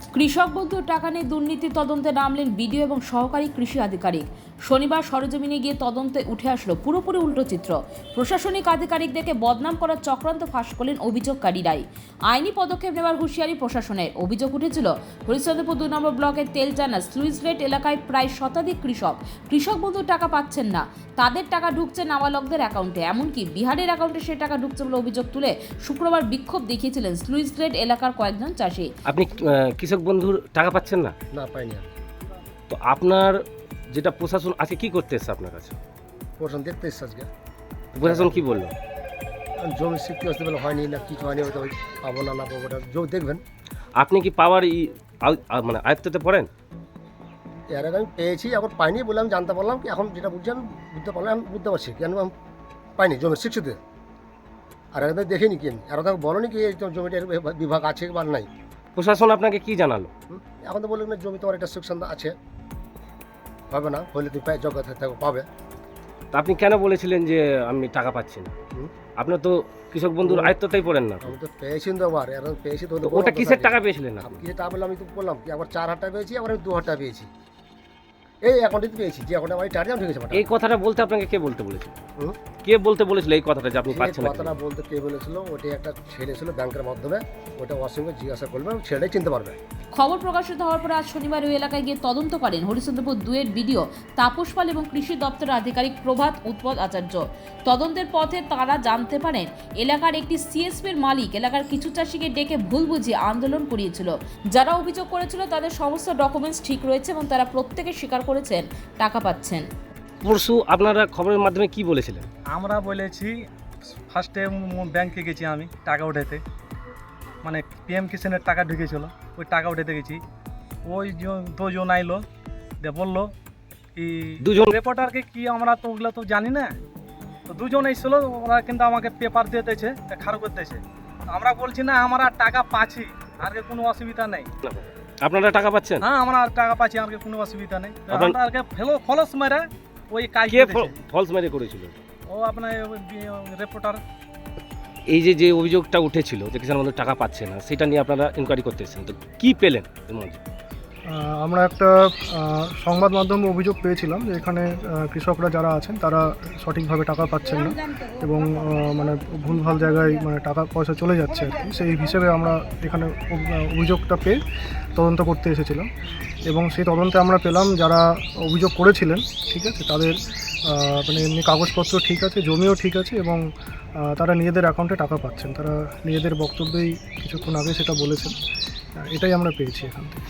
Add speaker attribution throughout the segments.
Speaker 1: কৃষক বন্ধুর টাকা নিয়ে দুর্নীতি তদন্তে নামলেন বিডিও এবং সহকারী কৃষি আধিকারিক। শনিবার সরেজমিনে গিয়ে তদন্তে উঠে আসলো পুরোপুরি উল্টো চিত্র। প্রশাসনিক আধিকারিকদেরকে বদনাম করার চক্রান্ত ফাঁস করলেন অভিযোগকারীরাই। আইনি পদক্ষেপ নেওয়ার হুঁশিয়ারি প্রশাসনের। অভিযোগ উঠেছিল হরিশ্চন্দ্রপুর 2 নম্বর ব্লকের তেলজানা স্লুইস গেট এলাকায় প্রায় শতাধিক কৃষক বন্ধুর টাকা পাচ্ছেন না। তাদের টাকা ঢুকছে নাবালকদের অ্যাকাউন্টে, এমনকি বিহারের অ্যাকাউন্টে সে টাকা ঢুকছে বলে অভিযোগ তুলে শুক্রবার বিক্ষোভ দেখিয়েছিলেন স্লুইস গেট এলাকার কয়েকজন চাষি।
Speaker 2: আপনি কৃষক বন্ধুর টাকা পাচ্ছেন না?
Speaker 3: না, পাইনি আমি।
Speaker 2: তো আপনার যেটা প্রশাসন আজকে কি করতে এসছে আপনার কাছে?
Speaker 3: প্রশাসন দেখতে এসছে আজকে।
Speaker 2: প্রশাসন কি বললো?
Speaker 3: জমি স্বীকৃতি আসতে বলে হয়নি না কিছু হয়নি, হয়তো পাবো না পাবো ওটা জমি দেখবেন।
Speaker 2: আপনি কি পাওয়ার মানে আয়ত্ততে পড়েন?
Speaker 3: এর আগে আমি পেয়েছি, এখন পাইনি বলে আমি জানতে পারলাম কি এখন যেটা বুঝছি আমি বুঝতে পারলাম, আমি বুঝতে পারছি কেন আমি পাইনি জমির স্বীকৃতি। আর আগে দেখিনি কি আমি, আর তাকে বলোনি কি এই জমিটার বিভাগ আছে বা নাই।
Speaker 2: প্রশাসন আপনাকে কি জানালো?
Speaker 3: এখন তো বললেন না জমি তোমার একটা সেকশন আছে, হবে না হলে তুমি যোগ্য থাকবে পাবে।
Speaker 2: তা আপনি কেন বলেছিলেন যে আমি টাকা পাচ্ছি না? আপনার তো কৃষক বন্ধুর আয়ত্ততেই পড়েন না।
Speaker 3: আমি তো পেয়েছি তো আবার এখন পেয়েছি তো।
Speaker 2: ওটা কিসের টাকা পেয়েছিলেন আপনি?
Speaker 3: কিসের টাকা বললাম, আমি তো বললাম কি আবার 4,000 টাকা পেয়েছি, আবার আমি 2,000 টাকা পেয়েছি এই অ্যাকাউন্টে পেয়েছি, যে অ্যাকাউন্টে আমার টাকা ঢুকেছে।
Speaker 2: এই কথাটা বলতে আপনাকে কে বলতে বলেছিল? কে বলতে বলেছিল এই কথাটা যে আপনি পাচ্ছেন না?
Speaker 3: কথাটা বলতে কে বলেছিল? ওটা একটা ছেলে ছিল ব্যাংকের মাধ্যমে, ওটা অসংখ্য জিজ্ঞাসা করবে, ছেলেটাই চিনতে পারবে।
Speaker 1: খবর প্রকাশিত হওয়ার পর আজ শনিবার ওই এলাকায় গিয়ে তদন্ত করেন হরিশ্চন্দ্রপুর 2-এর বিডিও তাপস পাল এবং কৃষি দপ্তরের আধিকারিক প্রভাত উৎপল আচার্য। তদন্তের পথে তারা জানতে পারেন এলাকার একটি সিএসপির মালিক এলাকার কিছু চাষিকে ডেকে ভুল বুঝিয়ে আন্দোলন করিয়েছিল। যারা অভিযোগ করেছিল তাদের সমস্ত ডকুমেন্টস ঠিক রয়েছে এবং তারা প্রত্যেকে স্বীকার করেছেন টাকা পাচ্ছেন।
Speaker 2: পরশু আপনারা খবরের মাধ্যমে কি বলেছিলেন?
Speaker 4: আমরা বলেছি ফার্স্টে ব্যাংকে গেছি আমি টাকা উঠাতে, মানে পিএম কিষানের টাকা ঢুকেছিল, ওই টাকা উঠাতে গেছি। ওই দুজন আইলো দিয়ে বললো কি
Speaker 2: দুজন
Speaker 4: রিপোর্টারকে কি আমরা তো ওগুলো তো জানি না, তো দুজন এসেছিলো, ওরা কিন্তু আমাকে পেপার দিয়ে দিয়েছে, খারাপ করতেছে। আমরা বলছি না আমরা টাকা পাচ্ছি, আর কোনো অসুবিধা নেই।
Speaker 2: আপনারা টাকা পাচ্ছেন?
Speaker 4: হ্যাঁ, আমরা টাকা পাচ্ছি, আর কোনো অসুবিধা নেই। আপনাকে ফলস মেরে ওই কাজ
Speaker 2: ফলস মেরে করেছিল
Speaker 4: ও আপনার রিপোর্টার।
Speaker 2: এই যে অভিযোগটা উঠেছিল যে কিষাণ বন্ধুর টাকা পাচ্ছে না, সেটা নিয়ে আপনারা ইনকোয়ারি করতে এসেছেন, তো কি পেলেন এর মধ্যে?
Speaker 5: আমরা একটা সংবাদ মাধ্যমে অভিযোগ পেয়েছিলাম যে এখানে কৃষকরা যারা আছেন তারা সঠিকভাবে টাকা পাচ্ছেন না এবং মানে ভুলভাল জায়গায় মানে টাকা পয়সা চলে যাচ্ছে আর কি। সেই হিসেবে আমরা এখানে অভিযোগটা পেয়ে তদন্ত করতে এসেছিলাম এবং সেই তদন্তে আমরা পেলাম যারা অভিযোগ করেছিলেন ঠিক আছে, তাদের মানে এমনি কাগজপত্র ঠিক আছে, জমিও ঠিক আছে এবং তারা নিজেদের অ্যাকাউন্টে টাকা পাচ্ছেন। তারা নিজেদের বক্তব্যেই কিছুক্ষণ আগে সেটা বলেছেন, এটাই আমরা পেয়েছি এখান থেকে।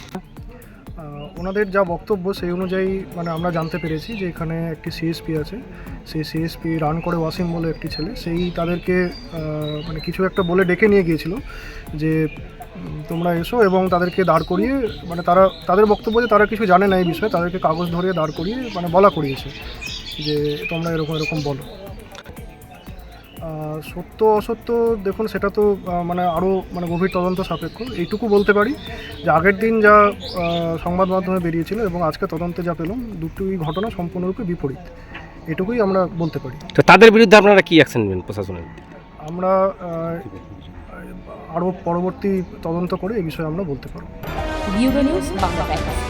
Speaker 5: ওনাদের যা বক্তব্য সেই অনুযায়ী মানে আমরা জানতে পেরেছি যে এখানে একটি সিএসপি আছে, সেই সিএসপি রান করে ওয়াসিম বলে একটি ছেলে, সেই তাদেরকে মানে কিছু একটা বলে ডেকে নিয়ে গিয়েছিল যে তোমরা এসো, এবং তাদেরকে দাঁড় করিয়ে মানে তাদের বক্তব্য যে তারা কিছু জানে না এই বিষয়ে, তাদেরকে কাগজ ধরিয়ে দাঁড় করিয়ে মানে বলা করিয়েছে যে তোমরা এরকম বলো। সত্য অসত্য দেখুন সেটা তো মানে আরও মানে গভীর তদন্ত সাপেক্ষ। এইটুকু বলতে পারি যে আগের দিন যা সংবাদ মাধ্যমে বেরিয়েছিল এবং আজকে তদন্তে যা পেলাম দুটোই ঘটনা সম্পূর্ণরূপে বিপরীত, এটুকুই আমরা বলতে পারি।
Speaker 2: তো তাদের বিরুদ্ধে আপনারা কি অ্যাকশন নেবেন প্রশাসনের?
Speaker 5: আমরা আরও পরবর্তী তদন্ত করে এই বিষয়ে আমরা বলতে পারব।
Speaker 1: View news Bangla.